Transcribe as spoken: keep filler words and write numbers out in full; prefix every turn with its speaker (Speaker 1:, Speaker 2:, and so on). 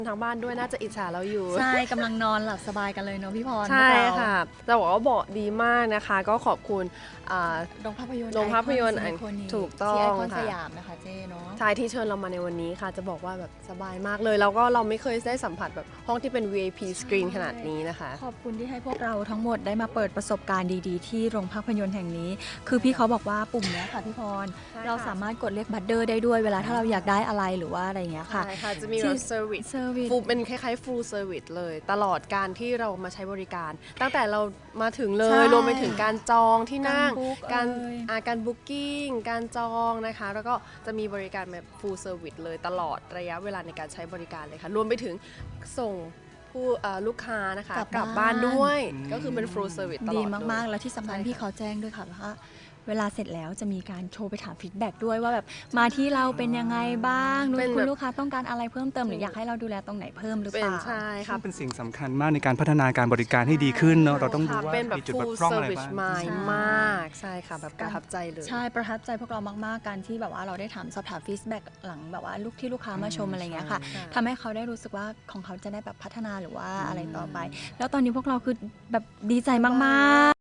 Speaker 1: ทางบ้านด้วยน่าจะอิจฉาเราอยู่
Speaker 2: ใช่กำลังนอนหลับสบายกันเลยเนาะพี่พร
Speaker 1: ใช่ค่ะจะบอกว่าบอกดีมากนะคะก็ขอบคุณ
Speaker 2: โรงภาพยนตร์
Speaker 1: โรงภาพยนตร์ถูกต้อง
Speaker 2: ที่ไอคอนสยามนะคะเจ๊เนาะ
Speaker 1: ใช่ที่เชิญเรามาในวันนี้ค่ะจะบอกว่าแบบสบายมากเลยแล้วก็เราไม่เคยได้สัมผัสแบบห้องที่เป็น วี ไอ พี สกรีนขนาดนี้นะคะ
Speaker 2: ขอบคุณที่ให้พวกเราทั้งหมดได้มาเปิดประสบการณ์ดีๆที่โรงภาพยนตร์แห่งนี้คือพี่เขาบอกว่าปุ่มนี้ค่ะพี่พรเราสามารถกดเรียกบัตเดอร์ได้ด้วยเวลาถ้าเราอยากได้อะไรหรือว่าอะไรอย่างเงี้ยค่ะ
Speaker 1: ใช่ค่ะจะมีแบบเซอร์วิสฟูลเป็นคล้ายๆฟูลเซอร์วิสเลยตลอดการที่เรามาใช้บริการตั้งแต่เรามาถึงเลยรวมไปถึงการจองที่นั่งการการบุ๊กิ้งการจองนะคะแล้วก็จะมีบริการแบบฟูลเซอร์วิสเลยตลอดระยะเวลาในการใช้บริการเลยค่ะรวมไปถึงส่งผู้ลูกค้านะคะกลับบ้านด้วยก็คือเป็นฟูลเซอร์วิสตลอด
Speaker 2: ดีมากๆแล้วที่สำคัญพี่เขาแจ้งด้วยค่ะว่าเวลาเสร็จแล้วจะมีการโทรไปถามฟีดแบ็กด้วยว่าแบบมาที่เราเป็นยังไงบ้างคุณลูกค้าต้องการอะไรเพิ่มเติมหรืออยากให้เราดูแลตรงไหนเพิ่มหรือเปล่า
Speaker 1: ใช่ค่ะ
Speaker 3: เป็นสิ่งสำคัญมากในการพัฒนาการบริการให้ดีขึ้นเนาะเราต้องรู้ว่า
Speaker 1: มีจุดบกพร่องอะไรบ้างมากใช่ค่ะแบบประทับใจเลย
Speaker 2: ใช่ประทับใจพวกเรามากๆการที่แบบว่าเราได้ถามสอบถามฟีดแบ็กหลังแบบว่าลูกที่ลูกค้ามาชมอะไรเงี้ยค่ะทำให้เขาได้รู้สึกว่าของเขาจะได้แบบพัฒนาหรือว่าอะไรต่อไปแล้วตอนนี้พวกเราคือแบบดีใจมากๆ